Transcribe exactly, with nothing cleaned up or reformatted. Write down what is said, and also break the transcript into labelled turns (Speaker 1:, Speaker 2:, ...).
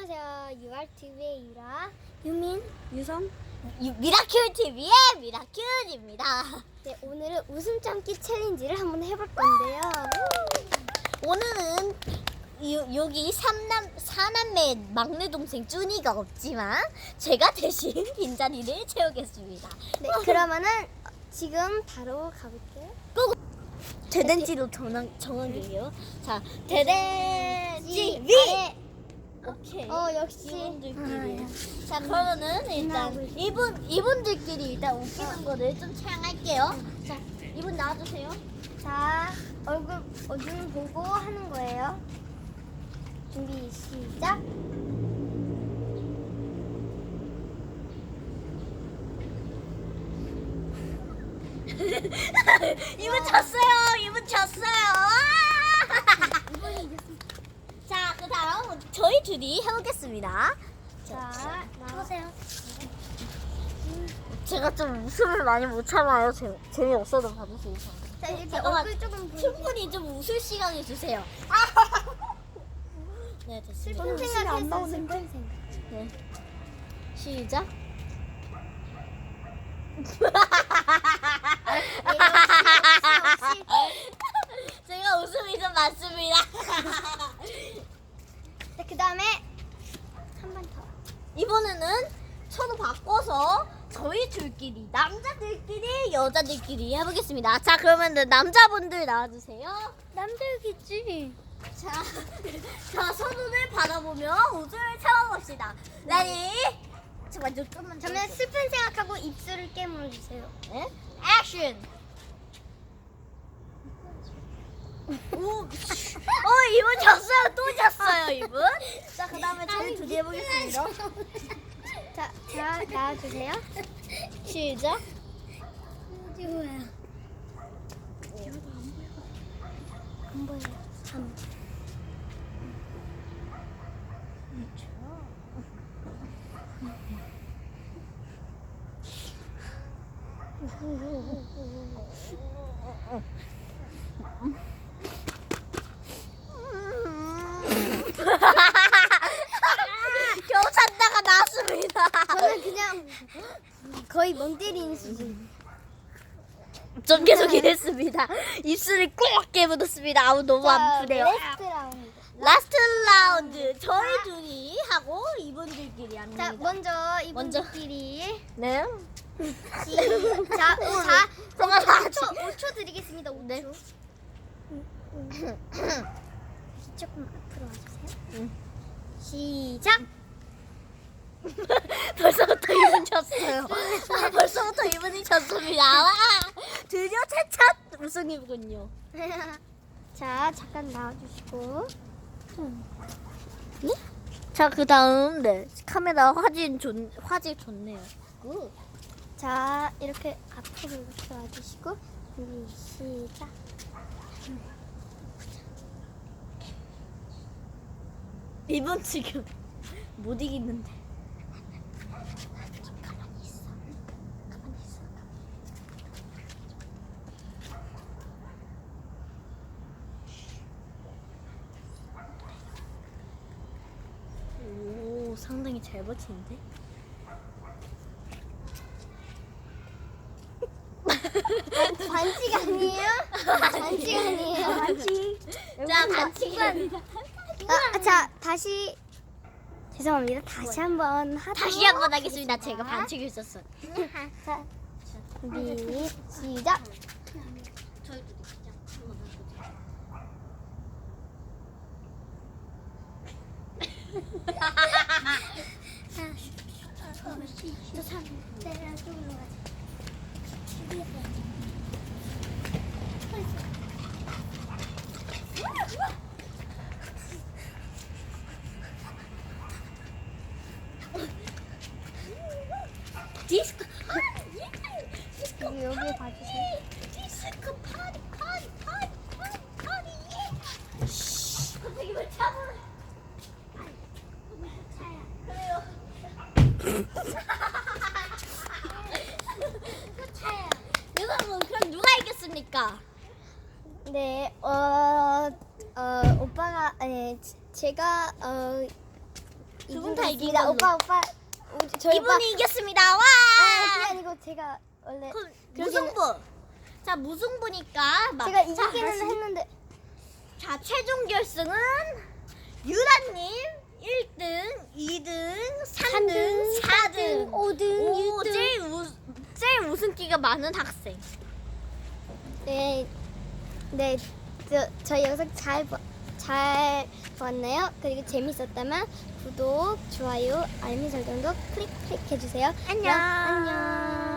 Speaker 1: 안녕하세요. 유알티비의 유라, 유민, 유성.
Speaker 2: 유- 미라클 티비의 미라클입니다.
Speaker 1: 네, 오늘은 웃음 참기 챌린지를 한번 해볼 건데요.
Speaker 2: 오늘은 요, 여기 삼남 사남매 막내 동생 쭈니가 없지만 제가 대신 빈자리를 채우겠습니다.
Speaker 1: 네, 그러면은 지금 바로 가볼게요.
Speaker 2: 대댄지로 정한 정한게요. 자, 대댄지 위.
Speaker 1: 아래.
Speaker 2: 오케이.
Speaker 1: 어, 역시.
Speaker 2: 이분들끼리. 자, 그러면은 일단 이분 이분들끼리 일단 웃기는 거를 좀 촬영할게요. 자, 이분 나와주세요.
Speaker 1: 자, 얼굴 어, 눈 보고 하는 거예요. 준비 시작.
Speaker 2: 이분 졌어요. 이분 졌어요.
Speaker 1: 이번이 이겼습니다.
Speaker 2: 자, 그다음 저희 둘이 해보겠습니다.
Speaker 1: 자, 나오세요.
Speaker 2: 제가 좀 웃음을 많이 못 참아요. 재, 재미없어도 봐주세요.
Speaker 1: 자, 이렇게
Speaker 2: 잠깐만.
Speaker 1: 얼굴 조금 보여주세요.
Speaker 2: 충분히 좀 웃을 시간을 주세요. 네, 됐습니다.
Speaker 1: 슬픈 생각했어. 슬픈 생각.
Speaker 2: 네. 시작.
Speaker 1: 역시, 역시.
Speaker 2: 제가 웃음이 좀 많습니다.
Speaker 1: 자, 그 다음에 한 번 더.
Speaker 2: 이번에는 서로 바꿔서 저희 둘끼리 남자들끼리 여자들끼리 해보겠습니다. 자, 그러면 남자분들 나와주세요.
Speaker 1: 남들겠지.
Speaker 2: 자, 자 서로를 바라보며 웃음을 참아봅시다. 레디? 잠깐만, 좀 좀만
Speaker 1: 저는 슬픈 생각하고 입술을 깨물어 주세요.
Speaker 2: 네? 액션! 오, 어, 이분 졌어요. 또 졌어요, 이분. 자, 그 다음에 저희 둘이 해보겠습니다.
Speaker 1: 자, 자 나와주세요.
Speaker 2: 시작.
Speaker 1: 뭐야? 안 보여요. 안.
Speaker 2: 겨우 찾다가 나왔습니다.
Speaker 1: 저는 그냥 거의 멍 때리는 수준.
Speaker 2: 좀 계속 이랬습니다. 입술이 꼭 깨묻었습니다. 아우, 너무 아프네요.
Speaker 1: 레스트 라운드.
Speaker 2: 라스트 라운드 저희 둘이 하고 이분들끼리 합니다.
Speaker 1: 자, 먼저
Speaker 2: 먼저.
Speaker 1: 이분들끼리
Speaker 2: 네.
Speaker 1: 시작. 자,
Speaker 2: 잠깐만.
Speaker 1: 오 초, 오 초 드리겠습니다. 오 초.
Speaker 2: 네.
Speaker 1: 조금 앞으로 와주세요.
Speaker 2: 응.
Speaker 1: 시작.
Speaker 2: 벌써부터 이분 졌어요. 아, 벌써부터 이분이 졌습니다. 와, 드디어 최첫 우승이군요.
Speaker 1: 자, 잠깐 나와주시고.
Speaker 2: 네? 자, 그 다음 네 카메라 화질 좋 화질 좋네요. 굿.
Speaker 1: 자, 이렇게 앞으로 이렇게 와주시고. 준비 시작.
Speaker 2: 이분 지금 못 이기는데. 가만히 있어. 가만히 있어. 오, 상당히 잘 버티는데?
Speaker 1: 반칙 아니에요? 반칙 아니에요?
Speaker 2: 반칙. 자, 반칙은
Speaker 1: 아, 자, 다시 죄송합니다. 다시 한번 하도록
Speaker 2: 다시 한번 하겠습니다. 제가 반칙을 썼어요.
Speaker 1: 자, 준비 시작.
Speaker 2: 저희 둘이 시작. 한번 해보자.
Speaker 1: 저 사람 내가 쪽으로 가자.
Speaker 2: 디스코.
Speaker 1: 여기 여기 봐주세요.
Speaker 2: 디스코 파리 파리 파리 파리 파리. 쉿. 갑자기 왜 참으러? 그래요. 여러분, 그럼 누가 이겼습니까?
Speaker 1: 네, 어, 어, 오빠가, 아니, 제가, 어,
Speaker 2: 두 분 다 이긴
Speaker 1: 이겼습니다.
Speaker 2: 걸로.
Speaker 1: 오빠 오빠 우리- 저희 오빠
Speaker 2: 이분이 이겼습니다. 와!
Speaker 1: 아 그게 아니고 제가 원래
Speaker 2: 그럼
Speaker 1: 그러기는-
Speaker 2: 무승부. 자 무승부니까 막
Speaker 1: 제가
Speaker 2: 자,
Speaker 1: 이기기는
Speaker 2: 다시.
Speaker 1: 했는데
Speaker 2: 자 최종 결승은 유라님 일 등, 이 등, 삼 등, 사 등,
Speaker 1: 오 등,
Speaker 2: 오,
Speaker 1: 육 등.
Speaker 2: 제일 우 제일 우승기가 많은 학생.
Speaker 1: 네, 네, 저, 저희 영상 잘, 봐- 잘 봤나요? 그리고 재밌었다면 구독, 좋아요, 알림 설정도 클릭 클릭 해주세요.
Speaker 2: 안녕.
Speaker 1: 그럼 안녕.